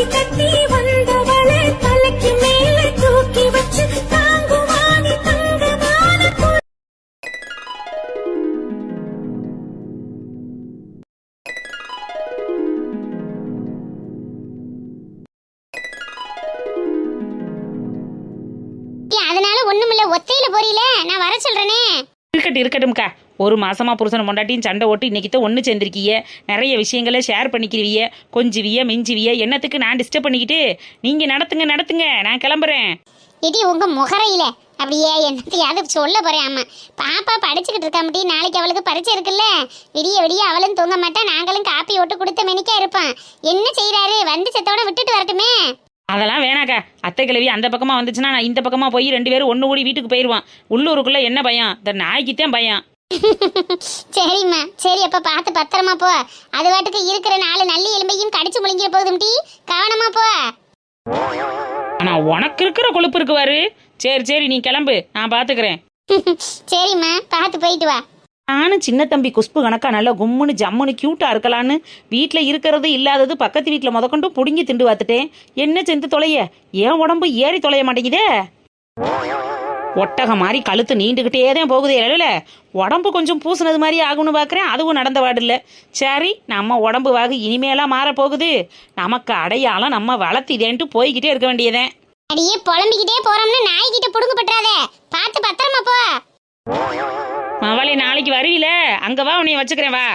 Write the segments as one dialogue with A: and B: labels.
A: அதனால ஒண்ணுமில்ல, ஒத்தையில போறீல, நான் வர சொல்றேனே.
B: இருக்கட்டும்க்கா. ஒரு மாசமா புருஷன் பொண்டாட்டியும் சண்டை ஓட்டு இன்னைக்கு தான் ஒன்று சேர்ந்திருக்கீங்க. நிறைய விஷயங்களை ஷேர் பண்ணிக்கிறீங்க. கொஞ்சுவிய மிஞ்சுவிய என்னத்துக்கு நான் டிஸ்டர்ப் பண்ணிக்கிட்டு? நீங்க நடத்துங்க, நான் கிளம்புறேன்.
A: இடி உங்க முகரையில அப்படியே என்னத்தையாவது சொல்ல போறேன். ஆமா, பாப்பா படிச்சுக்கிட்டு இருக்கா முடி, நாளைக்கு அவளுக்கு பரீட்சை இருக்குல்ல. விடிய விடிய அவளும் தூங்க மாட்டா, நாங்களும் காப்பி ஓட்டு கொடுத்த மெனிக்கா இருப்பான். என்ன செய்யறாரு, வந்து செத்தோட விட்டுட்டு வரட்டுமே.
B: அதெல்லாம் வேணாக்கா. அத்தை கிழவி அந்த பக்கமா வந்துச்சுன்னா நான் இந்த பக்கமா போய் 2 பேரும் ஒன்று கூடி வீட்டுக்கு போயிடுவான். உள்ளூருக்குள்ள என்ன பயம்? இந்த நாய்க்குத்தான் பயம்.
A: சரிம்மா, சரி, அப்ப பார்த்து பத்திரமா போ. அது வாட்டுக்கு இருக்கிற 4 நல்லி எலும்பையும் கடிச்சு முழுங்கிற போதும் டி, கவனமா போ.
B: ஆனா உனக்கு இருக்கிற கொழுப்பு இருக்குவாரு. சரி நீ கிளம்பு, நான் பாத்துக்கிறேன்.
A: சரிம்மா, பார்த்து போயிட்டு வா.
B: நானும் சின்ன தம்பி குஷ்பு கணக்கா நல்லா கும்முன்னு ஜம்முன்னு கியூட்டா இருக்கலான்னு வீட்டில் இருக்கிறது இல்லாதது பக்கத்து வீட்டில் முதற்கொண்டு புடுங்கி திண்டு பார்த்துட்டேன். என்ன செஞ்சு தொலைய? ஏன் உடம்பு ஏறி தொலைய மாட்டேங்குதே. ஒட்டகம் மாதிரி கழுத்து நீண்டுகிட்டே தான் போகுதே. இல்ல உடம்பு கொஞ்சம் பூசினது மாதிரி ஆகும்னு பார்க்குறேன், அதுவும் நடந்த வாடு இல்லை. சரி, நம்ம உடம்பு வாகு இனிமேலாம் மாறப்போகுது. நமக்கு அடையாளம் நம்ம வளர்த்திதேன்ட்டு போய்கிட்டே இருக்க வேண்டியதேன்.
A: அடியே புலம்பிக்கிட்டே போறோம்னு நாய்கிட்ட புடுங்க பற்றாதே, பார்த்து பத்திரமா போ.
B: அவளை நாளைக்கு வருவில, அங்க வா, உன்னைய வச்சுக்கிறேன், வா.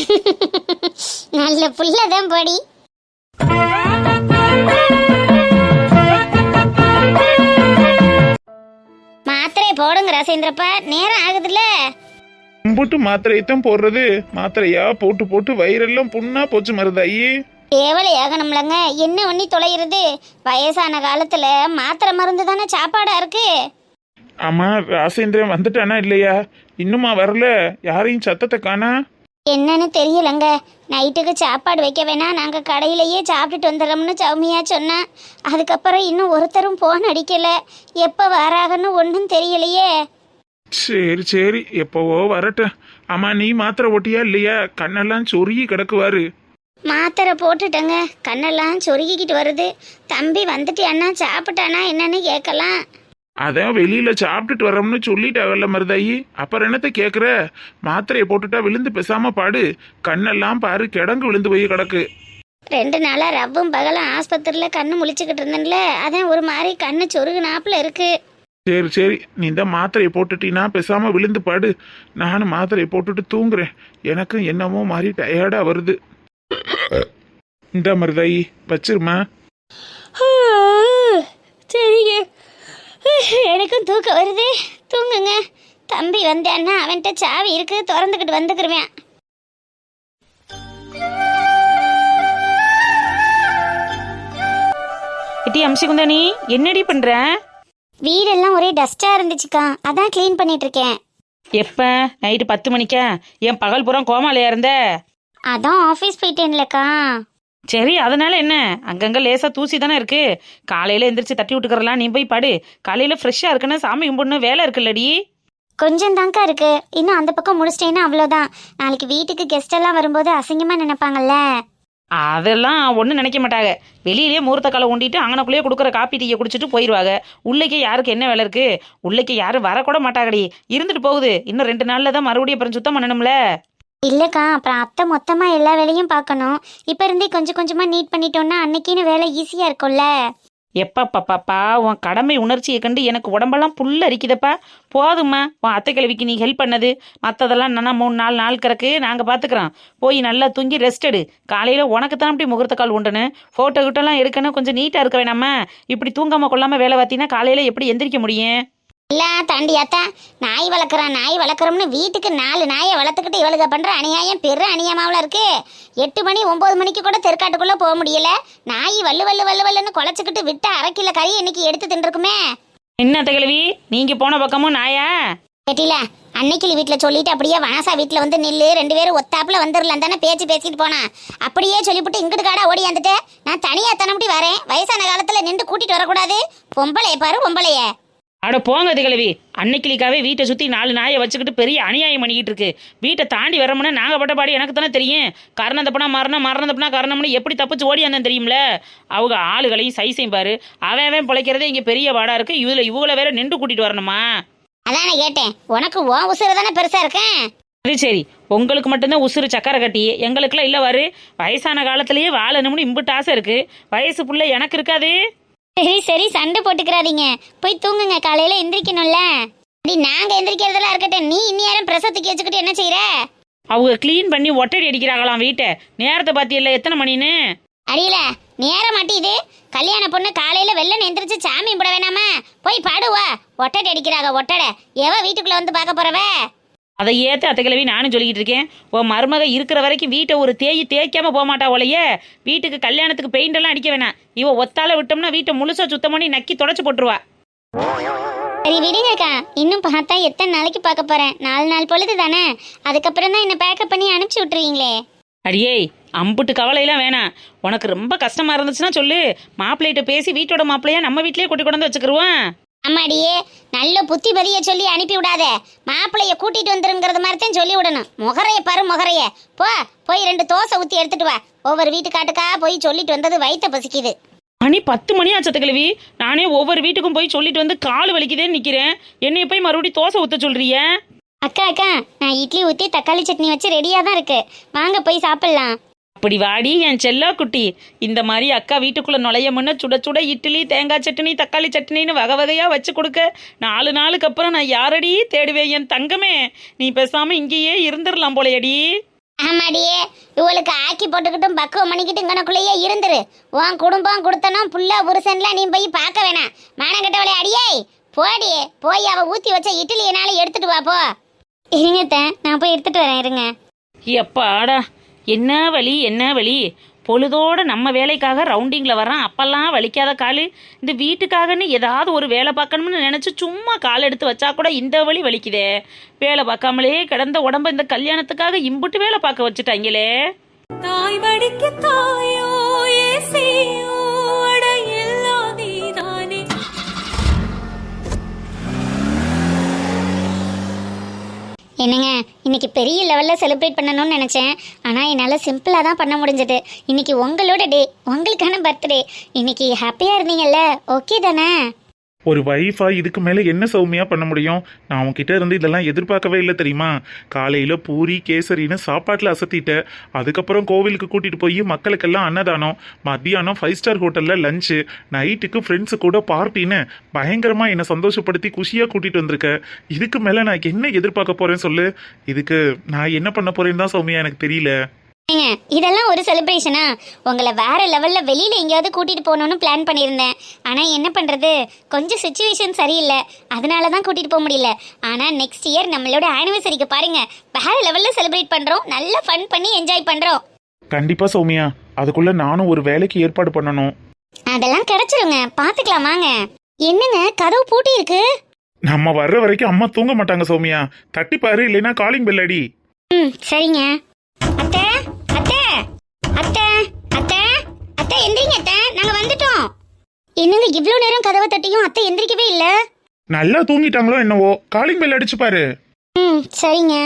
A: நல்ல புள்ளதான் போடி. மாத்திரை போடுங்க ராசேந்திரப்பா, நேரம் ஆகுதுல்ல.
C: போட்டு மாத்திரையத்தான் போடுறது. மாத்திரையா போட்டு வயிறெல்லாம் புண்ணா போச்சு மருதாயி.
A: தேவலை ஆகணும்லங்க, என்ன பண்ணி தொலைகிறது? வயசான காலத்துல மாத்திரை மருந்து தானே சாப்பாடா இருக்கு.
C: ஆமா, ராசேந்திரன் வந்துட்டானா இல்லையா? இன்னுமா வரல? யாரையும் சத்தத்தை காணா?
A: என்னன்னு தெரியலங்க. நைட்டுக்கு சாப்பாடு வைக்க வேணா, நாங்க கடையிலேயே சாப்பிட்டுட்டு வந்துடுறோம்னு சௌமியா சொன்னா. அதுக்கப்புறம் இன்னும் ஒருத்தரும் போன் அடிக்கல. எப்ப வராகன்னு ஒன்றும் தெரியலையே.
C: சரி, எப்பவோ வரட்டும். ஆமா, நீ மாத்திரை ஓட்டியா இல்லையா? கண்ணெல்லாம் சொருகி கிடக்குவாரு.
A: மாத்திரை போட்டுட்டேங்க, கண்ணெல்லாம் சொருகிக்கிட்டு வருது. தம்பி வந்துட்டியானா, சாப்பிட்டானா என்னன்னு கேட்கலாம்.
C: அதான் வெளியில சாப்பிட்டுட்டு வரோம்னு சொல்லிட்டாங்கல்ல மருதாயி, அப்புறம் என்னத்த கேக்குற? மாத்திரையை போட்டுட்டா விழுந்து பேசாம பாடு. கண்ணெல்லாம் பாரு, கிடங்கு விழுந்து போய் கிடக்கு.
A: 2 நாளா ரவ்வும் பகலும் ஆஸ்பத்திரியில கண்ணு முழிச்சுக்கிட்டு இருந்தேன்ல, அதான் ஒரு மாதிரி கண்ணு சொருகுனாப்புல இருக்கு.
C: சரி, நீ இந்த மாத்திரையை போட்டுட்டீன்னா பேசாம விழுந்து பாடு. நானும் மாத்திரையை போட்டுட்டு தூங்குறேன். எனக்கும் என்னமோ மாதிரி டயர்டா வருது. இந்த மருதாயி வச்சிருமா.
A: சரிங்க, எனக்கும் தூக்கம் வருது. தூங்குங்க. தம்பி வந்தேன்னா அவன்கிட்ட சாவி இருக்கு, திறந்துக்கிட்டு வந்துக்கிருவேன்.
B: எட்டி அம்சிகுந்தானி, என்னடி பண்ற?
A: வீடெல்லாம் ஒரே டஸ்டா இருந்துச்சுக்கா, அதான் கிளீன் பண்ணிட்டு இருக்கேன்.
B: எப்ப? நைட்டு 10 மணிக்கா? என் பகல் புறம் கோமாலையா இருந்த?
A: அதான் ஆஃபீஸ் போயிட்டேன்லக்கா.
B: சரி, அதனால என்ன? அங்கங்க லேசா தூசி தானே இருக்கு. காலையில எந்திரிச்சு தட்டி விட்டுக்கறலாம், நீ போய் படு. காலையில ஃப்ரெஷ்ஷா இருக்குன்னு சாமி கும்பிடணும், வேலை இருக்குல்லடி.
A: கொஞ்சம் தாங்க்கா இருக்கு, இன்னும் அந்த பக்கம் முடிச்சிட்டேன்னா அவ்வளோதான். நாளைக்கு வீட்டுக்கு கெஸ்ட் எல்லாம் வரும்போது அசிங்கமா நினைப்பாங்கல்ல.
B: அதெல்லாம் ஒன்றும் நினைக்க மாட்டாங்க. வெளியிலேயே முகூர்த்த காலை ஊண்டிட்டு அங்கனக்குள்ளேயே கொடுக்குற காப்பி டீயை குடிச்சிட்டு போயிடுவாங்க. உள்ளேக்கே யாருக்கு என்ன வேலை இருக்கு? உள்ளேக்கே யாரும் வரக்கூட மாட்டாங்கடி. இருந்துட்டு போகுது. இன்னும் 2 நாள்ல தான் மறுபடியும் அப்புறம் சுத்தம் பண்ணணும்ல.
A: இல்லக்கா, அப்புறம் அத்தை மொத்தமா எல்லா வேலையும் பார்க்கணும். இப்ப இருந்தே கொஞ்சம் கொஞ்சமா நீட் பண்ணிட்டோம்னா அன்னைக்குன்னு வேலை ஈஸியா இருக்கும்ல.
B: எப்பா உன் கடமை உணர்ச்சியை கண்டு எனக்கு உடம்பெல்லாம் புல் அரிக்குதப்பா. போதும்மா, உன் அத்தை கிழவிக்கு நீ ஹெல்ப் பண்ணது. மற்றதெல்லாம் என்னன்னா 3-4 நாள் கிடக்கு, நாங்கள் பார்த்துக்குறோம். போய் நல்லா தூங்கி ரெஸ்ட் எடு. காலையில் உனக்கு தான் அப்படி முகூர்த்த கால் உண்டுன்னு ஃபோட்டோ கிட்டலாம் எடுக்கணும். கொஞ்சம் நீட்டாக இருக்க வேணாமா? இப்படி தூங்காமல் கொள்ளாமல் வேலை பார்த்தீங்கன்னா காலையில் எப்படி எந்திரிக்க முடியும்?
A: இல்ல தாண்டியாத்தா, நாய் வளர்க்குறோம்னு வீட்டுக்கு 4 நாயை வளர்த்துக்கிட்டு இவளுக பண்ற அநியாயம் பெரு அநியாயமாவில் இருக்கு. 8 மணி 9 மணிக்கு கூட தெற்காட்டுக்குள்ள போக முடியல. நாய் வல்லுன்னு குலைச்சிக்கிட்டு விட்டு 1/2 கிலோ கறி இன்னைக்கு எடுத்து தின்றுக்குமே.
B: என்ன தகவலி, நீங்க போன பக்கமும் நாயா?
A: கேட்டில, அன்னைக்கு வீட்டில் சொல்லிட்டு அப்படியே வனசா வீட்டில் வந்து நில்லு, 2 பேரும் ஒத்தாப்புல வந்துடலாம் தானே பேசிட்டு போனா. அப்படியே சொல்லிவிட்டு இங்கிட்டு காடா ஓடி வந்துட்டு நான் தனியா தனப்படி வரேன். வயசான காலத்துல நின்று கூட்டிட்டு வரக்கூடாது. பொம்பளைய பாரு பொம்பளைய.
B: அட போங்க திகழவி, அன்னைக்கிளிக்காவே வீட்டை சுற்றி 4 நாயை வச்சுக்கிட்டு பெரிய அநியாயம் பண்ணிக்கிட்டு இருக்கு. வீட்டை தாண்டி வரமுன்னா நாங்கள் பட்ட பாடு எனக்கு தானே தெரியும். கரணம் தப்புனா மரணம், மரணம் தப்புனா கரணம்னு எப்படி தப்பிச்சு ஓடி வந்தேன் தெரியும்ல. அவங்க ஆளுகளையும் சைஸையும் பாரு. அவன் பிழைக்கிறதே இங்கே பெரிய வாடா இருக்கு. இவங்களை வேற நின்று கூட்டிட்டு வரணுமா?
A: அதானே கேட்டேன், உனக்கு உன் உசுறு தானே பெருசா இருக்கேன்.
B: அது சரி, உங்களுக்கு மட்டும்தான் உசுறு சக்கரை கட்டி, எங்களுக்குலாம் இல்லை வாரு. வயசான காலத்திலேயே வாழணும்னு இம்புட்டு ஆசை இருக்கு. வயசு புள்ள எனக்கு இருக்காது.
A: சரி சரி, சண்டை போட்டுக்கிறாதீங்க, போய் தூங்குங்க, காலையில எந்திரிக்கணும்ல. நாங்க எந்திரிக்கிறதெல்லாம் இருக்கட்டும், நீ இன்னும் பிரசவத்துக்கு வச்சுக்கிட்டு என்ன செய்யற?
B: அவங்க கிளீன் பண்ணி ஒட்டடி அடிக்கிறாங்களாம் வீட்டை. நேரத்தை பார்த்தியல்ல எத்தனை மணின்னு?
A: அடியில நேரம் மாட்டிது. கல்யாண பொண்ணு காலையில வெள்ளன்னு எந்திரிச்சு சாமி போட வேணாமா? போய் பாடுவா. ஒட்டடை அடிக்கிறாங்க, ஒட்டடை. எவ வீட்டுக்குள்ள வந்து பார்க்க போறவ?
B: அதை ஏற்ற அத்தை கிழவி நானும் சொல்லிக்கிட்டு இருக்கேன். உன் மருமக இருக்கிற வரைக்கும் வீட்டை ஒரு தேய்க்காம போக மாட்டா போலையே. வீட்டுக்கு கல்யாணத்துக்கு பெயிண்ட் எல்லாம் அடிக்க வேணாம். இவ ஒத்தால விட்டோம்னா வீட்டை முழுசா சுத்தம் பண்ணி நக்கி தொடச்சு போட்டுருவா.
A: சரி விடுங்கக்கா, இன்னும் பார்த்தா எத்தனை நாளைக்கு பார்க்க போறேன்? 4 நாள் பொழுது தானே, அதுக்கப்புறம் தான் என்ன பேக்கப் பண்ணி அனுப்பிச்சு விட்டுருவீங்களே.
B: அடியே, அம்புட்டு கவலையெல்லாம் வேணாம். உனக்கு ரொம்ப கஷ்டமா இருந்துச்சுன்னா சொல்லு, மாப்பிள்ளைகிட்ட பேசி வீட்டோட மாப்பிள்ளையா நம்ம வீட்லயே கூட்டி கொண்டு வந்து வச்சுக்கிருவோம்.
A: அம்மாடியே, நல்ல புத்தி பதிய சொல்லி அனுப்பி விடாத. மாப்பிள்ளைய கூட்டிட்டு வந்துருங்கிறது மாதிரி தான் சொல்லி விடணும். முகரைய பாரு, முகரைய. போய் 2 தோசை ஊற்றி எடுத்துட்டு வா. ஒவ்வொரு வீட்டுக்காட்டுக்கா போய் சொல்லிட்டு வந்தது வயிற்ற பசிக்குது.
B: மணி 10 மணி ஆச்சத்த கிழவி. நானே ஒவ்வொரு வீட்டுக்கும் போய் சொல்லிட்டு வந்து கால் வலிக்குதேன்னு நிக்கிறேன். என்னைய போய் மறுபடியும் தோசை ஊத்த சொல்றிய?
A: அக்கா, நான் இட்லி ஊற்றி தக்காளி சட்னி வச்சு ரெடியாக தான் இருக்கு, வாங்க போய் சாப்பிடலாம்.
B: அப்படி வாடி என் செல்லா குட்டி. இந்த மாதிரி அக்கா வீட்டுக்குள்ள நுழைய முன்ன சுட சுட இட்லி, தேங்காய் சட்னி, தக்காளி சட்னின்னு வகை வகையா வச்சு கொடுக்க 4 நாளுக்கு அப்புறம் நான் யாரடி தேடுவேன் என் தங்கமே? நீ பேசாம இங்கேயே இருந்துடலாம் போலையடி.
A: ஆமாடியே, இவளுக்கு ஆக்கி போட்டுக்கிட்டும் பக்குவம் பண்ணிக்கிட்டு இங்கனக்குள்ளேயே இருந்துரு. உன் குடும்பம் கொடுத்தனும் புள்ள புருஷன்லாம் நீ போய் பார்க்க வேணாம். மானங்கட்டவளே அடியே, போய் அவ ஊற்றி வச்ச இட்லியனால எடுத்துட்டு வா. போ. இருங்கத்த, நான் போய் எடுத்துட்டு வரேன், இருங்க.
B: எப்பாடா, என்ன வலி. பொழுதோட நம்ம வேலைக்காக ரவுண்டிங்கில் வரான். அப்பெல்லாம் வலிக்காத காலு. இந்த வீட்டுக்காகன்னு ஏதாவது ஒரு வேலை பார்க்கணும்னு நினச்சி சும்மா கால் எடுத்து வச்சா கூட இந்த வலி வலிக்குதே. வேலை பார்க்காமலே கிடந்த உடம்ப இந்த கல்யாணத்துக்காக இம்புட்டு வேலை பார்க்க வச்சுட்டாங்களே.
D: தாய் வடிக்கு தாயோ ஏசியோ அட எல்லாம் நீதானே.
A: என்னங்க, இன்னைக்கு பெரிய லெவலில் செலிப்ரேட் பண்ணணும்னு நினச்சேன். ஆனால் என்னால் சிம்பிளாக தான் பண்ண முடிஞ்சது. இன்னைக்கு உங்களோட டே, உங்களுக்கான பர்த்டே. இன்னைக்கு ஹாப்பியாக இருந்தீங்கல்ல, ஓகே தானே?
C: ஒரு வைஃபா இதுக்கு மேலே என்ன சௌமியா பண்ண முடியும்? நான் உன்கிட்ட இருந்து இதெல்லாம் எதிர்பார்க்கவே இல்லை தெரியுமா? காலையில் பூரி கேசரின்னு சாப்பாட்டில் அசத்திட்டேன். அதுக்கப்புறம் கோவிலுக்கு கூட்டிகிட்டு போய் மக்களுக்கெல்லாம் அன்னதானம், மத்தியானம் 5 ஸ்டார் ஹோட்டலில் லஞ்சு, நைட்டுக்கு ஃப்ரெண்ட்ஸு கூட பார்ட்டின்னு பயங்கரமாக என்னை சந்தோஷப்படுத்தி குஷியாக கூட்டிகிட்டு வந்திருக்க. இதுக்கு மேலே நான் என்ன எதிர்பார்க்க போகிறேன்னு சொல்லு. இதுக்கு நான் என்ன பண்ண போகிறேன்னு தான் சௌமியா எனக்கு தெரியல.
A: ஏங்க, இதெல்லாம் ஒரு செலிப்ரேஷனா? உங்களை வேற லெவலில் வெளியில் எங்கேயாவது கூட்டிகிட்டு போகணுன்னு பிளான் பண்ணியிருந்தேன். ஆனால் என்ன பண்ணுறது, கொஞ்சம் சுச்சுவேஷன் சரியில்லை, அதனால தான் கூட்டிகிட்டு போக முடியல. ஆனால் நெக்ஸ்ட் இயர் நம்மளோட ஆனிவர்சரிக்கு பாருங்க, வேற லெவலில் செலிப்ரேட் பண்ணுறோம், நல்லா ஃபன் பண்ணி என்ஜாய் பண்ணுறோம்.
C: கண்டிப்பாக சௌமியா, அதுக்குள்ளே நானும் ஒரு வேலைக்கு ஏற்பாடு பண்ணணும்.
A: அதெல்லாம் கிடைச்சிருங்க, பார்த்துக்கலாம் வாங்க. என்னங்க, கதவு பூட்டி இருக்கு?
C: நம்ம வர்ற வரைக்கும் அம்மா தூங்க மாட்டாங்க சௌமியா. தட்டி பாரு, இல்லைன்னா காலிங் பெல் அடி.
A: சரிங்க. அத்தை அத்தை அத்தை அத்தை அத்தை எந்திரிங்க அத்தை, நாங்க வந்துட்டோம். என்னங்க இவ்வளவு நேரம் கதவை தட்டியும் அத்தை எந்திரிக்கவே இல்ல?
C: நல்லா தூங்கிட்டாங்களோ என்னவோ, காலிங் பெல் அடிச்சு பாரு.
A: சரிங்க.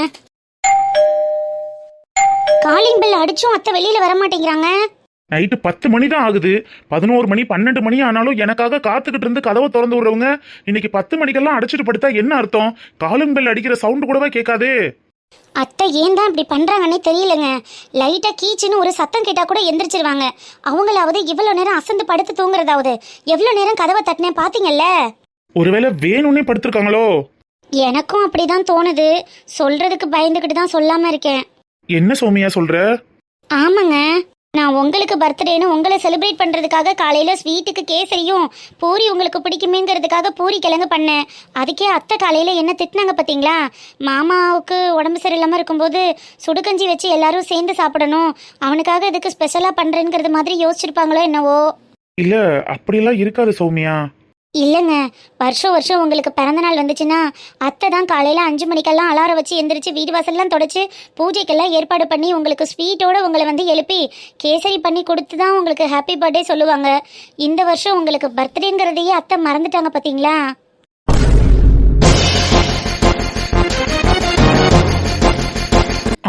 A: காலிங் பெல் அடிச்சும் அத்தை வெளியில வர மாட்டேங்கிறாங்க.
C: நைட்டு 10 மணி தான் ஆகுது. 11 மணி 12 மணி ஆனாலும் எனக்காக காத்துக்கிட்டு இருந்து கதவை திறந்து விடுறவங்க இன்னைக்கு 10 மணிக்கெல்லாம் அடிச்சுட்டு படுத்தா என்ன அர்த்தம்? காலிங் பெல் அடிக்கிற சவுண்டு கூடவே கேட்காதே.
A: அத்தை ஏன் தான் இப்படி பண்றாங்கன்னே தெரியலங்க. லைட்டா கீச்சுன்னு ஒரு சத்தம் கேட்டா கூட எந்திரிச்சிருவாங்க. அவங்களாவது இவ்வளவு நேரம் அசந்து படுத்து தூங்குறதாவது. எவ்வளவு நேரம் கதவை தட்டினேன் பாத்தீங்கல்ல?
C: ஒருவேளை வேணும்னே படுத்திருக்காங்களோ?
A: எனக்கும் அப்படிதான் தோணுது. சொல்றதுக்கு பயந்துகிட்டு தான் சொல்லாம இருக்கேன்.
C: என்ன சௌமியா சொல்ற?
A: ஆமாங்க, நான் உங்களுக்கு பர்த்டேன்னு உங்களை செலிப்ரேட் பண்ணுறதுக்காக காலையில் ஸ்வீட்டுக்கு கேசரியும் பூரி உங்களுக்கு பிடிக்குமேங்கிறதுக்காக பூரி கிழங்கு பண்ணேன். அதுக்கே அத்தை காலையில் என்ன திட்டினாங்க பார்த்தீங்களா? மாமாவுக்கு உடம்பு சரியில்லாமல் இருக்கும்போது சுடுகஞ்சி வச்சு எல்லாரும் சேர்ந்து சாப்பிடணும், அவனுக்காக இதுக்கு ஸ்பெஷலாக பண்ணுறேங்கிறது மாதிரி யோசிச்சிருப்பாங்களோ என்னவோ.
C: இல்லை, அப்படியெல்லாம் இருக்காது சௌமியா.
A: இல்லைங்க, வருஷம் வருஷம் உங்களுக்கு பிறந்தநாள் வந்துச்சுன்னா அத்தை தான் காலையில் 5 மணிக்கெல்லாம் அலாரம் வச்சு எந்திரிச்சு வீடு வாசல்லாம் தொடச்சி பூஜைக்கெல்லாம் ஏற்பாடு பண்ணி உங்களுக்கு ஸ்வீட்டோடு உங்களை வந்து எழுப்பி கேசரி பண்ணி கொடுத்து தான் உங்களுக்கு ஹாப்பி பர்த்டே சொல்லுவாங்க. இந்த வருஷம் உங்களுக்கு பர்த்டேங்கிறதையே அத்தை மறந்துட்டாங்க பார்த்தீங்களா?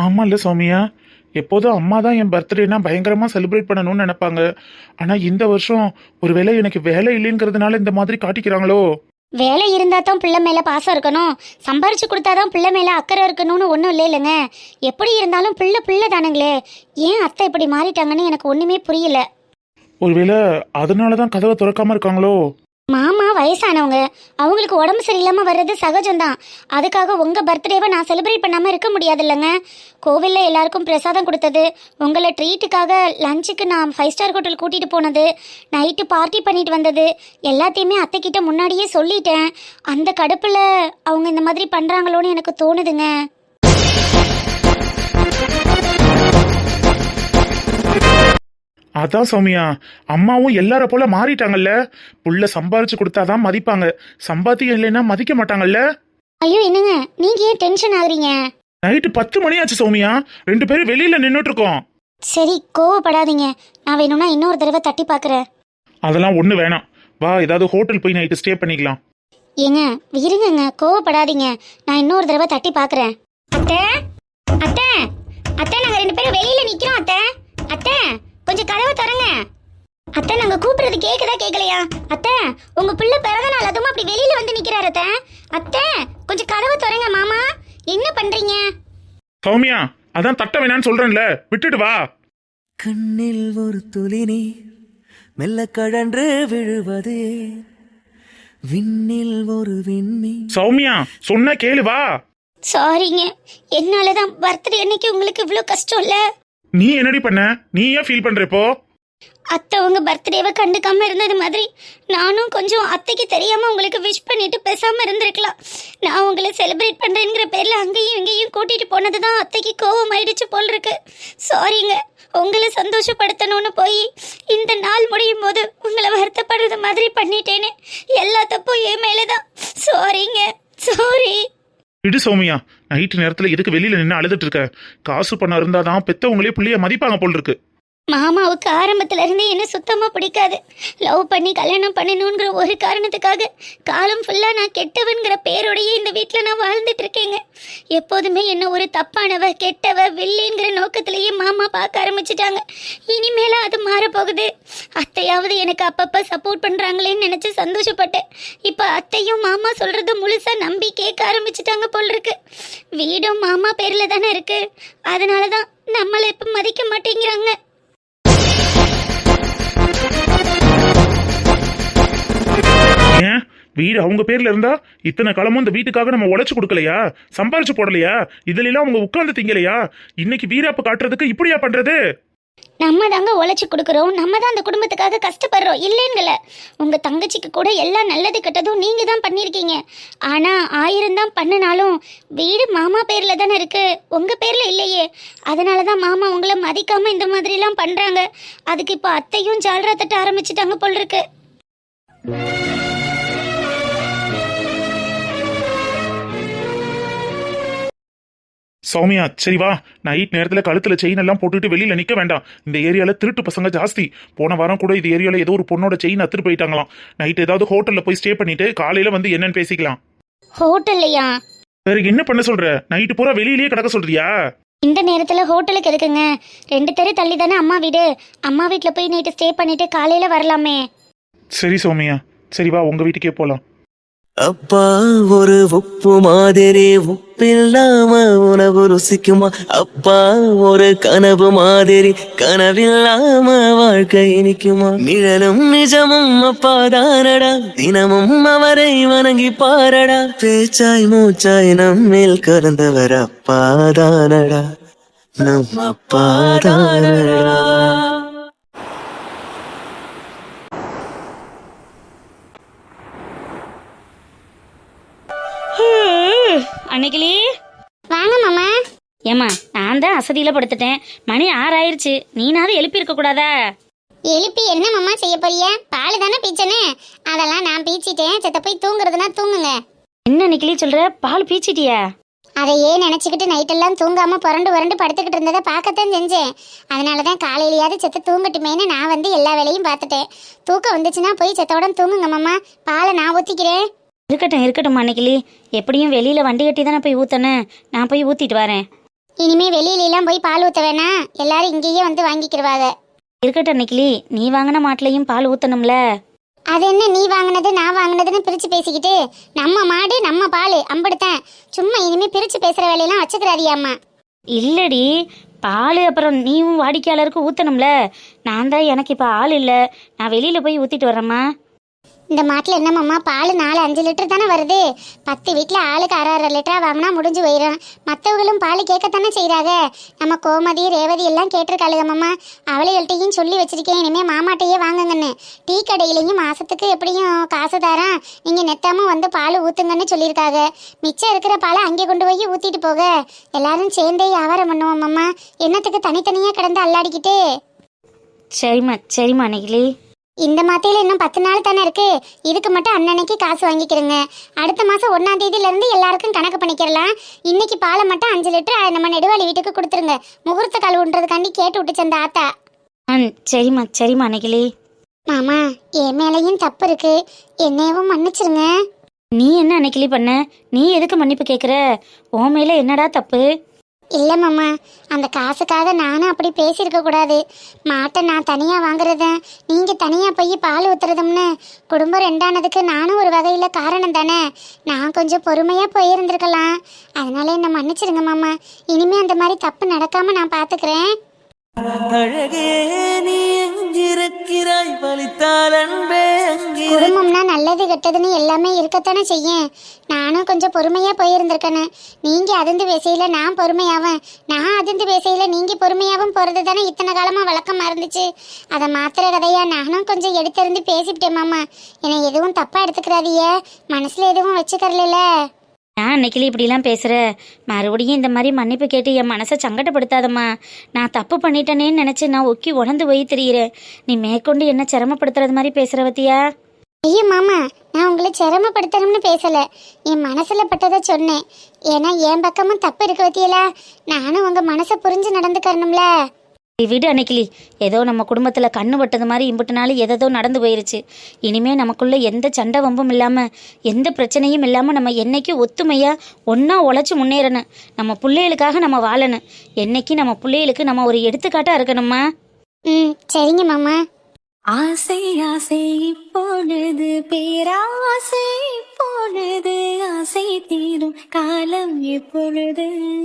C: ஆமா இல்ல சௌமியா, எப்போதும் அம்மா தான் என் பர்த்டேனா பயங்கரமா செலிப்ரேட் பண்ணணும்னு நினைப்பாங்க. ஆனா இந்த வருஷம் ஒருவேளை எனக்கு வேலை இல்லைங்கிறதுனால இந்த மாதிரி காட்டிக்கிறாங்களோ?
A: வேலை இருந்தா தான் பிள்ளை மேல பாசம் இருக்கணும், சம்பாரிச்சு கொடுத்தாதான் பிள்ளை மேல அக்கறை இருக்கணும்னு ஒன்றும் இல்லை இல்லைங்க. எப்படி இருந்தாலும் பிள்ளை பிள்ளை தானுங்களே. ஏன் அத்தை இப்படி மாறிட்டாங்கன்னு எனக்கு ஒண்ணுமே புரியல.
C: ஒருவேளை அதனாலதான் கதவை திறக்காம இருக்காங்களோ?
A: மாமா வயசானவங்க, அவங்களுக்கு உடம்பு சரியில்லாம வர்றது சகஜம்தான். அதுக்காக உங்க பர்த்டேவை நான் செலிப்ரேட் பண்ணாம இருக்க முடியாது இல்லைங்க. கோவில்ல எல்லாருக்கும் பிரசாதம் கொடுத்தது, உங்களை ட்ரீட்டுக்காக லஞ்சுக்கு நான் 5 ஸ்டார் ஹோட்டல் கூட்டிட்டு போனது, நைட்டு பார்ட்டி பண்ணிட்டு வந்தது எல்லாத்தையுமே அத்தைக்கிட்ட முன்னாடியே சொல்லிட்டேன். அந்த கடுப்புல அவங்க இந்த மாதிரி பண்றாங்களோன்னு எனக்கு தோணுதுங்க.
C: அதான் சௌமியா, அம்மாவும் எல்லார போல மாறிட்டாங்கல்ல. புள்ள சம்பாரிச்சு கொடுத்தாதான் மதிப்பாங்க, சம்பாத்தியம் இல்லைன்னா மதிக்க மாட்டாங்கல்ல.
A: ஐயோ என்னங்க நீங்க ஏன் டென்ஷன் ஆகுறீங்க?
C: நைட்டு 10 மணி ஆச்சு சௌமியா, 2 பேரும் வெளியில நின்னுட்டு இருக்கோம்.
A: சரி கோவப்படாதீங்க, நான் வேணும்னா இன்னொரு தடவை தட்டி பார்க்குறேன்.
C: அதெல்லாம் ஒண்ணு வேணாம், வா ஏதாவது ஹோட்டல் போய் நைட்டு ஸ்டே பண்ணிக்கலாம்.
A: ஏங்க இருங்கங்க, கோவப்படாதீங்க, நான் இன்னொரு தடவை தட்டி பார்க்குறேன். அத்தை அத்தை அத்தை, நாங்க 2 பேரும் வெளியில நிக்கிறோம். அத்தை அத்தை கொஞ்சம் கதவை திறங்க. அத்தை நாங்க கூப்பிடுறது கேக்குதா கேட்கலையா? அத்தை உங்க பிள்ளை பிறந்த நாள் அதுவும் அப்படி வெளியில வந்து நிக்கிறாரு. அத்தை அத்தை கொஞ்சம் கதவை திறங்க. மாமா என்ன பண்றீங்க?
C: சௌமியா, அதான் தட்ட வேணான்னு சொல்றேன்ல, விட்டுட்டு வா.
E: கண்ணில் ஒரு துளி நீர் மெல்ல கழன்று விழுவது, விண்ணில் ஒரு விண்ணி.
C: சௌமியா சொன்ன கேளு, வா.
A: சாரிங்க, என்னாலதான் பர்த்டே அன்னைக்கு உங்களுக்கு இவ்வளோ கஷ்டம் இல்ல.
C: நீ என்னடி பண்ண? நீ ஏன் ஃபீல் பண்ற இப்போ?
A: அத்தை உங்க பர்த்டேவை கண்டுக்காம இருந்தது மாதிரி நானும் கொஞ்சம் அத்தைக்கு தெரியாம உங்களுக்கு விஷ் பண்ணிட்டு பேசாம இருந்திருக்கலாம். நான் உங்களை செலிப்ரேட் பண்றேங்கிற பேர்ல அங்கேயும் இங்கேயும் கூட்டிட்டு போனதுதான் அத்தைக்கு கோவம் ஆயிடுச்சு போல் இருக்கு. சாரிங்க, உங்களை சந்தோஷப்படுத்தணும்னு போய் இந்த நாள் முடியும் போது உங்களை வருத்தப்படுறது மாதிரி பண்ணிட்டேனே. எல்லா தப்பும் என் மேலதான். சாரிங்க, சாரி.
C: விடு சௌமியா, நைட்டு நேரத்துல எதுக்கு வெளியில நின்று அழுதுட்டு இருக்க? காசு பணம் இருந்தாதான் பெத்தவங்களே புள்ளைய மதிப்பாங்க போல் இருக்கு.
A: மாமாவுக்கு ஆரம்பத்துல இருந்து என்ன சுத்தமா பிடிக்காது. லவ் பண்ணி கல்யாணம் பண்ணணுங்கிற ஒரு காரணத்துக்காக காலம் ஃபுல்லா நான் கெட்டவன்கிற பேரோடையே இந்த வீட்டில் நான் வாழ்ந்துட்டு இருக்கேங்க. எப்போதுமே என்ன ஒரு தப்பானவ, கெட்டவ, வில்லிங்கிற நோக்கத்திலேயே மாமா பார்க்க ஆரம்பிச்சிட்டாங்க. இனிமேல அது மாறப்போகுது. அத்தையாவது எனக்கு அப்பப்ப சப்போர்ட் பண்றாங்களேன்னு நினைச்சு சந்தோஷப்பட்டேன். இப்ப அத்தையும் மாமா சொல்றது முழுசா நம்பி கேட்க ஆரம்பிச்சிட்டாங்க போல் இருக்கு. வீடும் மாமா பேர்ல தானே இருக்கு, அதனாலதான் நம்மளை இப்ப மதிக்க மாட்டேங்கிறாங்க.
C: ஏன் வீடு அவங்க பேர்ல இருந்தா இத்தனை காலமும் இந்த வீட்டுக்காக நம்ம உழைச்சு கொடுக்கலையா? சம்பாரிச்சு போடலையா? இதுல எல்லாம் அவங்க உட்கார்ந்து திங்கலையா? இன்னைக்கு வீராப்பு காட்டுறதுக்கு இப்படியா பண்றது?
A: நம்ம தாங்க உழைச்சி கொடுக்குறோம், நம்ம தான் அந்த குடும்பத்துக்காக கஷ்டப்படுறோம் இல்லைங்கள. உங்க தங்கச்சிக்கு கூட எல்லாம் நல்லது கெட்டதும் நீங்க தான் பண்ணியிருக்கீங்க. ஆனா 1000 தான் பண்ணினாலும் வீடு மாமா பேர்ல தானே இருக்கு, உங்க பேர்ல இல்லையே. அதனாலதான் மாமா உங்களை மதிக்காம இந்த மாதிரி எல்லாம் பண்றாங்க. அதுக்கு இப்போ அத்தையும் ஜால்ரா தட்ட ஆரம்பிச்சிட்டாங்க போல் இருக்கு.
C: சௌமியா சரி வா, நைட் நேரத்துல கழுத்துல செயின் எல்லாம் போட்டுட்டு வெளியில நிக்க வேண்டாம். இந்த ஏரியால திருட்டு பசங்க ஜாஸ்தி. போன வாரம் கூட இந்த ஏரியால ஏதோ ஒரு பொண்ணோட செயின் அத்துட்டு போயிட்டாங்களாம். நைட் ஏதாவது ஹோட்டல்ல போய் ஸ்டே பண்ணிட்டு காலையில வந்து என்னன்னு பேசிக்கலாம்.
A: ஹோட்டல்லையா?
C: வேற என்ன பண்ண சொல்ற? நைட்டு பூரா வெளியிலேயே கிடக்க சொல்றியா?
A: இந்த நேரத்துல ஹோட்டலுக்கு எதுக்குங்க? 2 தெரு தள்ளி தானே அம்மா வீடு. அம்மா வீட்டுல போய் நைட்டு ஸ்டே பண்ணிட்டு காலையில வரலாமே.
C: சரி சௌமியா, சரி வா உங்க வீட்டுக்கே போலாம்.
E: அப்பா ஒரு உப்பு மாதிரி உப்பில்லாம உணவு ருசிக்குமா? அப்பா ஒரு கனவு மாதிரி கனவில்லாம வாழ்க்கை இனிக்குமா? நிழலும் நிஜமும் அப்பா தானடா, தினமும் அவரை வணங்கி பாரடா. பேச்சாய் மூச்சாய் நம்மில் கறந்தவர் அப்பா தானடா, நம் அப்பா தானடா.
B: அன்னைக்கிளி
A: வாங்க மாமா.
B: ஏம்மா, நான் தான் அசதியில படுத்துட்டேன். மணி 6 ஆயிருச்சு, நீனாவது எழுப்பி இருக்க கூடாதா?
A: எழுப்பி என்ன மாமா செய்ய போறிய? பால் தானே பீச்சனே, அதெல்லாம் நான் பீச்சிட்டேன். செத்த போய் தூங்குறதுனா தூங்குங்க.
B: என்ன அன்னைக்கிளி சொல்ற? பால் பீச்சிட்டியா?
A: அதையே நினைச்சுக்கிட்டு நைட்டெல்லாம் தூங்காம புரண்டு புரண்டு படுத்துக்கிட்டு இருந்ததை பார்க்கத்தான் செஞ்சேன். அதனாலதான் காலையிலயாவது செத்த தூங்கட்டுமேன்னு நான் வந்து எல்லா வேலையும் பார்த்துட்டேன். தூக்கம் வந்துச்சுன்னா போய் செத்தோட தூங்குங்க மாமா. பாலை நான் ஊத்திக்கிறேன்.
B: இருக்கட்டும் இருக்கட்டும் அன்னைக்கிளி, எப்படியும் வெளியில வண்டி கட்டி தானே போய் ஊத்தனேன். நான் போய் ஊத்திட்டு வரேன்.
A: இனிமே வெளியில போய் பால் ஊத்த வேணாம், எல்லாரும் இங்கேயே வந்து வாங்கிக்கிடுவாங்க.
F: இருக்கட்டும் நெக்கிலி, நீ வாங்கின மாட்டுலையும் பால் ஊற்றணும்ல.
A: அது என்ன நீ வாங்கினது நான் வாங்கினதுன்னு பிரிச்சு பேசிக்கிட்டு, நம்ம மாடு நம்ம பால் அம்படுத்தேன். சும்மா இனிமே பிரிச்சு பேசுற வேலையெல்லாம் வச்சுக்கிறாதியாம்மா.
F: இல்லடி, பால் அப்புறம் நீயும் வாடிக்கையாளருக்கு ஊற்றணும்ல. நான் தான் எனக்கு இப்போ ஆள் இல்லை, நான் வெளியில் போய் ஊற்றிட்டு வரேம்மா.
A: இந்த மாட்டில் என்னம்மா பால் 4-5 லிட்டர் தானே வருது. 10 வீட்டில் ஆளுக்கு 6-6 லிட்டரா வாங்கினா முடிஞ்சு போயிடும். மற்றவங்களும் பால் கேட்கத்தானே செய்கிறாங்க. நம்ம கோமதி ரேவதி எல்லாம் கேட்டிருக்காளுகம்மா. அவளைகள்ட்டையும் சொல்லி வச்சிருக்கேன், இனிமேல் மாமாட்டையே வாங்குங்கன்னு. டீ கடையிலையும் மாதத்துக்கு எப்படியும் காசு தரேன், நீங்கள் நெத்தாமல் வந்து பால் ஊற்றுங்கன்னு சொல்லியிருக்காங்க. மிச்சம் இருக்கிற பாலை அங்கே கொண்டு போய் ஊற்றிட்டு போக எல்லாரும் சேர்ந்தே வியாபாரம் பண்ணுவோம்மா. என்னத்துக்கு தனித்தனியாக கிடந்து அல்லாடிக்கிட்டு.
F: சரிம்மா நெக்கிலி.
A: இந்த மாத்தையில இன்னும் 10 நாள் தானே இருக்கு. இதுக்கு மட்டும் அன்னன்னைக்கு காசு வாங்கிக்கிறேங்க. அடுத்த மாசம் 1ஆம் தேதியில இருந்து எல்லாருக்கும் கணக்கு பண்ணிக்கிறலாம். இன்னைக்கு பாலை மட்டும் 5 லிட்டர் நம்ம நெடுவாளி வீட்டுக்கு கொடுத்துருங்க. முகூர்த்த கால் ஊன்றதுக்காண்டி கேட்டு விட்டுச்சு அந்த ஆத்தா.
F: சரிம்மா நெக்கிலி.
A: மாமா, என் மேலையும் தப்பு இருக்கு, என்னையவும் மன்னிச்சிருங்க.
F: நீ என்ன நெக்கிலி பண்ண? நீ எதுக்கு மன்னிப்பு கேட்குற? உன் மேலே என்னடா தப்பு?
A: இல்லை மாமா, அந்த காசுக்காக நானும் அப்படி பேசியிருக்க கூடாது. மாட்டை நான் தனியாக வாங்குறதேன், நீங்கள் தனியாக போய் பால் ஊற்றுறதும்னு குடும்பம் 2ஆனதுக்கு நானும் ஒரு வகையில் காரணம் தானே. நான் கொஞ்சம் பொறுமையாக போயிருந்திருக்கலாம். அதனால என்னை மன்னிச்சிருங்க மாமா. இனிமேல் அந்த மாதிரி தப்பு நடக்காமல் நான் பார்த்துக்கிறேன்.
E: அழகே நீ எங்கிருக்கிறாய், வலித்தால் அன்பே அங்கே.
A: குடும்பம்னா நல்லது கெட்டதுன்னு எல்லாமே இருக்கத்தானே செய்யும். நானும் கொஞ்சம் பொறுமையாக போயிருந்திருக்கேன்னு. நீங்கள் அதிர்ந்து பேசையில் நான் பொறுமையாவேன், நான் அதிர்ந்து பேசையில் நீங்கள் பொறுமையாகவும் போகிறது தானே இத்தனை காலமாக வழக்கமாக இருந்துச்சு. அதை மாத்திர கதையா நானும் கொஞ்சம் எடுத்திருந்து பேசிவிட்டேன் மாமா. என்னை எதுவும் தப்பாக எடுத்துக்கிறாதிய, மனசில் எதுவும் வச்சுக்கறல.
F: நான் நெக்கிலி இப்படிலாம் பேசுகிற? மறுபடியும் இந்த மாதிரி மன்னிப்பு கேட்டு என் மனசை சங்கடப்படுத்தாதம்மா. நான் தப்பு பண்ணிட்டேனேன்னு நினச்சி நான் ஒக்கி உடந்து போய் தெரிகிறேன். நீ மேற்கொண்டு என்ன சிரமப்படுத்துறது மாதிரி பேசுகிற பத்தியா?
A: ஐயோ மாமா, நான் உங்களை சிரமப்படுத்தணும்னு பேசலை, என் மனசில் பட்டதை சொன்னேன். ஏன்னா என் பக்கமும் தப்பு இருக்கு பத்தியலா, நானும் உங்கள் மனசை புரிஞ்சு நடந்துக்கறணும்ல.
F: விடு அன்னைக்கிளி, ஏதோ நம்ம குடும்பத்தில் கண்ணு பட்டது மாதிரி இம்புட்டுனாலும் எதோ நடந்து போயிருச்சு. இனிமே நமக்குள்ள எந்த சண்டை வம்பும் இல்லாமல் எந்த பிரச்சனையும் இல்லாமல் நம்ம என்னைக்கு ஒத்துமையாக ஒன்றா உழைச்சி முன்னேறணும். நம்ம பிள்ளைகளுக்காக நம்ம வாழணும். என்னைக்கு நம்ம பிள்ளைகளுக்கு நம்ம ஒரு எடுத்துக்காட்டாக இருக்கணுமா?
A: சரிங்க மாமா.
D: ஆசை ஆசை இப்பொழுது பேராசை இப்பொழுது ஆசை தீரும் காலம் எப்பொழுது.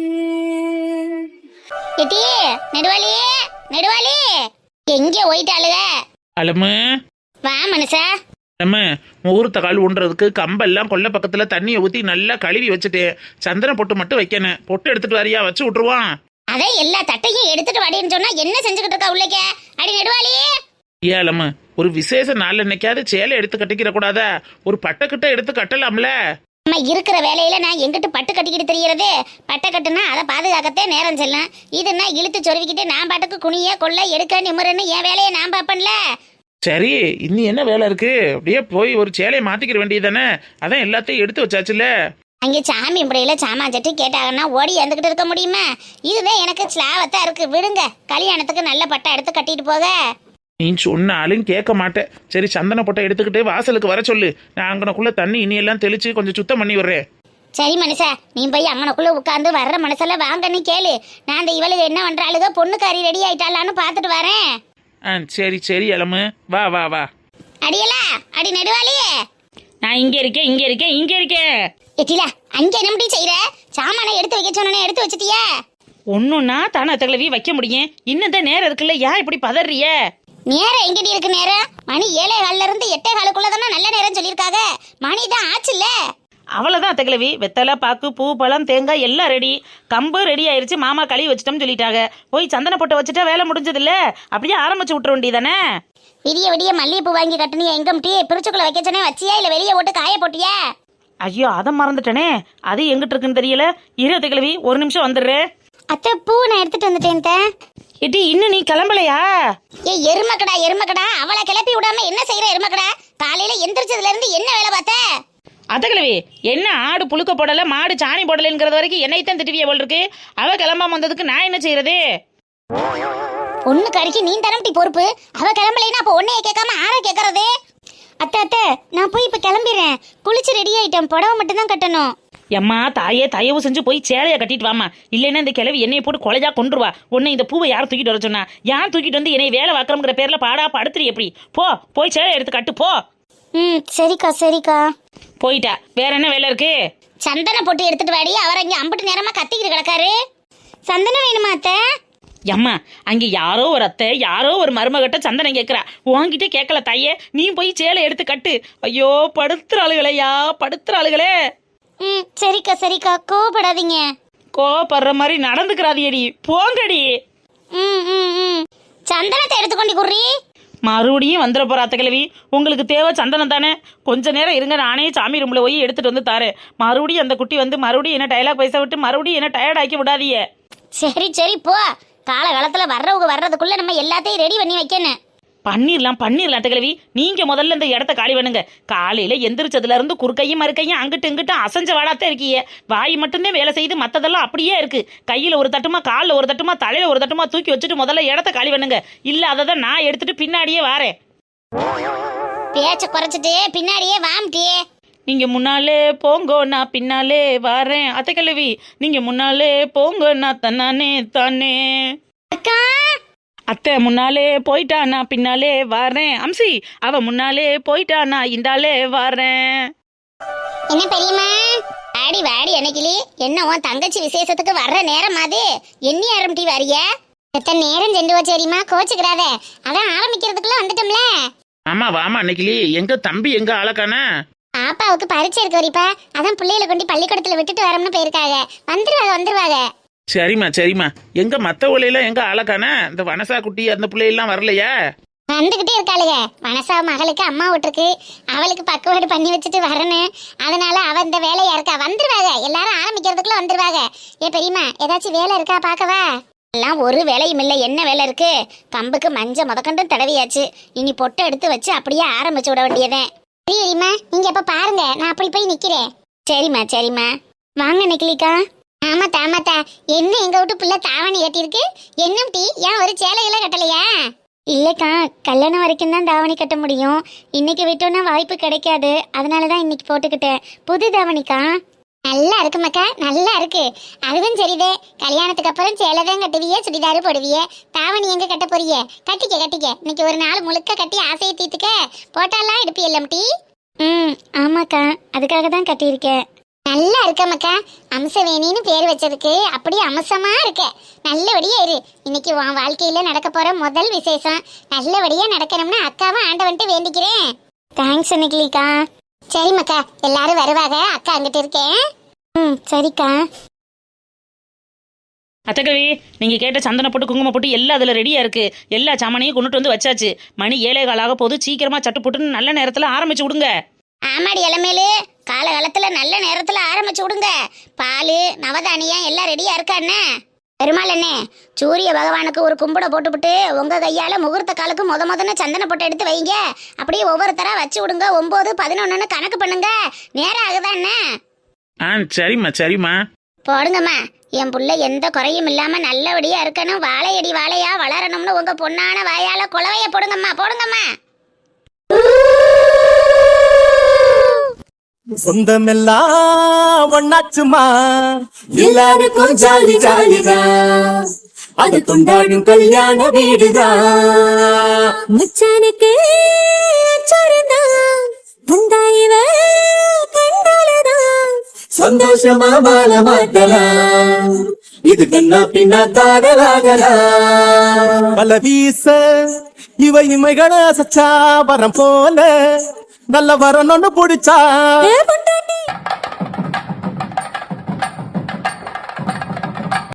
A: எட்டி நெடுவாளி, நெடுவாளி எங்கே போயிட்டாளுக?
C: அலமு
A: வா மனுஷா.
C: அலமு, முகூர்த்த கால் ஊன்றதுக்கு கம்பெல்லாம் கொல்லை பக்கத்துல தண்ணியை ஊற்றி நல்லா கழுவி வச்சுட்டேன். சந்தனம் பொட்டு மட்டும் வைக்கணும். பொட்டு எடுத்துட்டு வரியா? வச்சு விட்டுருவான்.
A: அதை எல்லா தட்டையும் எடுத்துட்டு வாடின்னு சொன்னா என்ன செஞ்சுக்கிட்டு இருக்கா உள்ளக்க? அடி நெடுவாளி.
C: ஏன் அலமு, ஒரு விசேஷ நாள் என்னைக்காவது சேலை எடுத்து கட்டிக்கிற கூடாதா? ஒரு பட்டக்கிட்ட எடுத்து கட்டலாம்ல?
A: நம்ம இருக்கிற வேலையில நான் எங்கிட்டு பட்டு கட்டிக்கிட்டு தெரியறது? பட்டை கட்டுனா அதை பாதுகாக்கத்தே நேரம் செல்லும். இதுன்னா இழுத்து சொருவிக்கிட்டு நான் பாட்டுக்கு குனிய கொள்ள எடுக்க நிமிரன்னு என் வேலையை நான் பார்ப்பேன்ல.
C: சரி, இன்னும் என்ன வேலை இருக்கு? அப்படியே போய் ஒரு சேலையை மாத்திக்கிற வேண்டியதானே? அதான் எல்லாத்தையும் எடுத்து வச்சாச்சுல.
A: அங்கே சாமி முறையில சாமான் சட்டி கேட்டாங்கன்னா ஓடி வந்துகிட்டு இருக்க முடியுமா? இதுதான் எனக்கு ஸ்லாவத்தா இருக்கு. விடுங்க, கல்யாணத்துக்கு நல்ல பட்டை எடுத்து கட்டிட்டு போக.
C: நீ சொன்னாலும் கேட்க மாட்டேன். சரி, சந்தன பொட்டை எடுத்துக்கிட்டு வாசலுக்கு வர சொல்லு. நான் அங்கனக்குள்ள தண்ணி இனியெல்லாம் தெளிச்சு கொஞ்சம் சுத்தம் பண்ணி விடுறேன்.
A: சரி மனுஷா, நீ போய் அங்கனக்குள்ள உட்காந்து வர்ற மனசெல்லாம் வாங்கன்னு கேளு. நான் அந்த இவளுக்கு என்ன பண்றாளுக, பொண்ணுக்காரி ரெடி ஆயிட்டாளான்னு பார்த்துட்டு வரேன்.
C: சரி அலமு, வா வா வா.
A: அடியலா, அடி நெடுவாளியே.
B: நான் இங்கே இருக்கேன்.
A: எட்டிலா, அங்கே என்னடி செய்யற? சாமானை எடுத்து வைக்க சொன்னே, எடுத்து வச்சிட்டியா?
B: ஒன்றுன்னா தானே தகவலவி வைக்க முடியும். இன்னும் தான் நேரம் இருக்குல்ல, ஏன் இப்படி பதறிய?
A: நேரம் எங்கடி இருக்கு? நேரம் மணி 7:15 இருந்து 8:15 தானே நல்ல நேரம் சொல்லியிருக்காங்க. மணி தான் ஆச்சுல்ல.
B: அவ்வளோதான் தகவலவி. வெத்தலை பாக்கு பூ பழம் தேங்காய் எல்லாம் ரெடி. கம்பு ரெடி ஆயிருச்சு. மாமா கழுவி வச்சிட்டோம்னு சொல்லிட்டாங்க. போய் சந்தன போட்டு வச்சுட்டா வேலை முடிஞ்சது இல்ல? அப்படியே ஆரம்பிச்சு விட்டுற வேண்டியதானே?
A: விடிய விடிய மல்லிகைப்பூ வாங்கி கட்டினியா? எங்கம்டி பிரிச்சுக்குள்ள வைக்க சொன்னே, வச்சியா இல்ல வெளியே போட்டு காய போட்டியா?
B: ஐயோ, அதை மறந்துட்டேனே. அது எங்கிட்டு இருக்குன்னு தெரியல. இரு தகவலவி, ஒரு நிமிஷம் வந்துடுறேன்.
A: அத்தை, பூ நான் எடுத்துட்டு வந்துட்டேன்.
B: எட்டி, இன்னும் நீ கிளம்பலையா?
A: எருமக்கடா அவளை கிளப்பி விடாம என்ன செய்யற? எருமக்கடா, காலையில எந்திரிச்சதுல இருந்து என்ன வேலை பார்த்த?
B: அதகலவி, என்ன ஆடு புழுக்க போடல மாடு சாணி போடலங்கிறது வரைக்கும் என்னைத்தான் திட்டுவிய போல் இருக்கு. அவ கிளம்பாம வந்ததுக்கு நான் என்ன செய்யறது?
A: ஒண்ணு கறிக்கு நீ தரம்டி பொறுப்பு. அவ கிளம்பலைன்னா அப்ப உன்னைய கேட்காம ஆற கேட்கறது? அத்தை, நான் போய் இப்ப கிளம்பிடுறேன். குளிச்சு ரெடி ஆயிட்டேன். புடவை மட்டும் தான் கட்டணும்.
B: எம்மா தாயே தயவு செஞ்சு போய் சேலையை கட்டிட்டு வாமா, இல்லைன்னா இந்த கிழவி என்னைய போட்டு கொலைஜா கொண்டுருவா. உன்னை இந்த பூவை யார் தூக்கிட்டு வர சொன்னா? யார் தூக்கிட்டு வந்து என்னை வேலை வாக்குறோங்கிற பேர்ல பாடா படுத்துரு எப்படி? போய் சேலை எடுத்து கட்டு போ.
A: சரிக்கா சரிக்கா.
B: போயிட்டா, வேற என்ன வேலை இருக்கு?
A: சந்தன போட்டு எடுத்துட்டு வாடி, அவர் அங்கே அம்பிட்டு நேரமா கத்திக்கிட்டு கிடக்காரு. சந்தனம் வேணுமா அத்தை?
B: எம்மா அங்க யாரோ ஒரு அத்தை, யாரோ ஒரு மருமகிட்ட சந்தனம் கேட்கறா, உன்கிட்ட கேட்கல தாயே. நீ போய் சேலை எடுத்து கட்டு. ஐயோ படுத்துற ஆளுகளையா, படுத்துற ஆளுகளே.
A: சரிக்கா சரிக்கா, கோவப்படாதீங்க.
B: கோவப்படுற மாதிரி நடந்துக்கிறாதியடி, போங்கடி.
A: சந்தனத்தை எடுத்துக்கொண்டு குர்ரி.
B: மறுபடியும் வந்துட போற அத்தை கிழவி. உங்களுக்கு தேவை சந்தனம் தானே? கொஞ்ச நேரம் இருங்க, நானே சாமி ரூம்ல போய் எடுத்துட்டு வந்து தாரேன். மறுபடியும் அந்த குட்டி வந்து மறுபடியும் என்ன டைலாக் பைசா விட்டு மறுபடியும் என்ன டயர்ட் ஆக்கி விடாதீங்க.
A: சரி சரி போ. காலகாலத்துல வர்றதுக்குள்ள நம்ம எல்லாத்தையும் ரெடி பண்ணி வைக்கணும்.
B: பண்ணிடலாம் அத்தை கிழவி. நீங்க முதல்ல இந்த இடத்த காலி பண்ணுங்க. காலையில எந்திரிச்சதுல இருந்து குறுக்கையும் மறுக்கையும் அங்கிட்டு இங்கிட்டு அசைஞ்ச வாடாத்தான் இருக்கீங்க. வாய் மட்டும்தான் வேலை செய்து, மத்ததெல்லாம் அப்படியே இருக்கு. கையில ஒரு தட்டுமா, காலில் ஒரு தட்டுமா, தலையில ஒரு தட்டுமா தூக்கி வச்சுட்டு முதல்ல இடத்த காலி பண்ணுங்க. இல்ல அதை தான் நான் எடுத்துட்டு பின்னாடியே வாரேன்.
A: பேச்ச குறைச்சிட்டு பின்னாடியே வாம்ட்டியே.
B: நீங்க முன்னாலே போங்கோ, நான் பின்னாலே வாரேன். அத்தை கிழவி நீங்க முன்னாலே போங்கோ, நான் தன்னானே தானே.
A: அக்கா
B: அத்தை முன்னாலே போயிட்டா, நான் பின்னாலே வாரேன். அம்சி அவ முன்னாலே போயிட்டா, நான் இந்தாலே வாரேன்.
A: என்ன பெரியம்மா? வாடி வாடி அன்னைக்கிளி, என்ன உன் தங்கச்சி விசேஷத்துக்கு வர்ற நேரம் அது? எண்ணி ஆரம்பிட்டி வாரிய? எத்தனை நேரம் சென்று வச்சேரிமா, கோச்சுக்கிறாத. அதான் ஆரம்பிக்கிறதுக்குள்ள வந்துட்டோம்ல.
C: ஆமா வாமா அன்னைக்கிளி, எங்க தம்பி எங்க ஆளக்கானா?
A: பாப்பாவுக்கு பரிச்சை இருக்கு வரிப்பா, அதான் பிள்ளைகளை கொண்டு பள்ளிக்கூடத்துல விட்டுட்டு வரோம்னு போயிருக்காங்க. வந்துருவாங்க.
C: சரிம்மா எங்க மத்த ஒலையில எங்க ஆளக்கானா? இந்த வனசா குட்டி அந்த பிள்ளையெல்லாம் வரலையா?
A: வந்துகிட்டே இருக்காளுங்க. மனசா மகளுக்கு அம்மா விட்டுருக்கு, அவளுக்கு பக்குவாடு பண்ணி வச்சுட்டு வரணும். அதனால அவ இந்த வேலையா இருக்கா. வந்துருவாங்க, எல்லாரும் ஆரம்பிக்கிறதுக்குள்ள வந்துருவாங்க. ஏ பெரியம்மா, ஏதாச்சும் வேலை இருக்கா பாக்கவா? எல்லாம் ஒரு வேலையும் இல்லை. என்ன வேலை இருக்கு? கம்புக்கு மஞ்சள் முதக்கண்டும் தடவியாச்சு. இனி பொட்டை எடுத்து வச்சு அப்படியே ஆரம்பிச்சு விட வேண்டியதேன். சரிம்மா, நீங்க எப்ப பாருங்க, நான் அப்படி போய் நிக்கிறேன். சரிம்மா வாங்க நிக்கலிக்கா. ஆமாத்தா என்ன எங்க விட்டு பிள்ளை தாவணி கட்டிருக்கு? என்ன டீ, ஏன் ஒரு சேலையெல்லாம் கட்டலையா? இல்லக்கா, கல்யாணம் வரைக்கும் தான் தாவணி கட்ட முடியும். இன்னைக்கு விட்டோன்னா வாய்ப்பு கிடைக்காது, அதனாலதான் இன்னைக்கு போட்டுக்கிட்டேன். புது தாவணிக்கா. நல்லா இருக்குமாக்கா, நல்லா இருக்கு. அதுவும் சரிதே, கல்யாணத்துக்கு அப்புறம் சேலை தான் கட்டுவியே, சுடிதாரு போடுவியே. தாவணி எங்க கட்ட போறியே? கட்டிக்க. இன்னைக்கு ஒரு நாள் முழுக்க கட்டி ஆசையை தீத்துக்க. போட்டாலாம் எடுப்பியல்லம் டீ. ஆமாக்கா, அதுக்காக தான் கட்டியிருக்கேன். நல்லா இருக்கமக்கா. அம்சவேணின்னு பேர் வச்சதுக்கு அப்படியே அம்சமா இருக்க. நல்லபடியா இரு. இன்னைக்கு உன் வாழ்க்கையில நடக்க போற முதல் விசேஷம் நல்லபடியா நடக்கணும்னு அக்காவை ஆண்டவன்ட்டு வேண்டிக்கிறேன். தேங்க்ஸ் அன்னைக்கிலிக்கா. சரிம்மாக்கா, எல்லாரும் வருவாங்க, அக்கா அங்கிட்டு இருக்கேன். சரிக்கா.
B: அத்தக்கவி நீங்க கேட்ட சந்தன போட்டு குங்குமம் போட்டு எல்லாம் அதுல ரெடியா இருக்கு. எல்லா சாமானையும் கொண்டுட்டு வந்து வச்சாச்சு. மணி 7:15 போது. சீக்கிரமா சட்டு போட்டுன்னு நல்ல நேரத்துல ஆரம்பிச்சு விடுங்க.
A: ஆமாடி இளமேலு, காலகாலத்துல நல்ல நேரத்துல ஆரம்பிச்சு விடுங்க. பால் நவதானியம் எல்லாம் ரெடியா இருக்காண்ணே. பெருமாள் அண்ணே, சூரிய பகவானுக்கு ஒரு கும்பிட போட்டுவிட்டு உங்க கையால முகூர்த்த காலுக்கு முதன்னு சந்தன போட்டு எடுத்து வைங்க. அப்படியே ஒவ்வொருத்தரா வச்சு விடுங்க. 9, 11 கணக்கு பண்ணுங்க. நேரம் ஆகுதாண்ணே?
C: சரிம்மா
A: போடுங்கம்மா. என் புள்ள எந்த குறையும் இல்லாம நல்லபடியா இருக்கணும், வாழையா வளரணும்னு உங்க பொண்ணான வாயால குலவைய போடுங்கம்மா.
E: சொந்தமெல்லாம் ஒண்ணாச்சுமா, எல்லாருக்கும் ஜாலிதான். அது கொண்டாடும் கல்யாண வீடுதான்.
D: மச்சானுக்கு
E: சந்தோஷமா வாழ மாட்டலாம். இது கண்ணா பின்னா தாடலாகலாம். பல வீச இவை இமைகளை அசைச்சா வரம் போல நல்ல வரணும்னு பிடிச்சா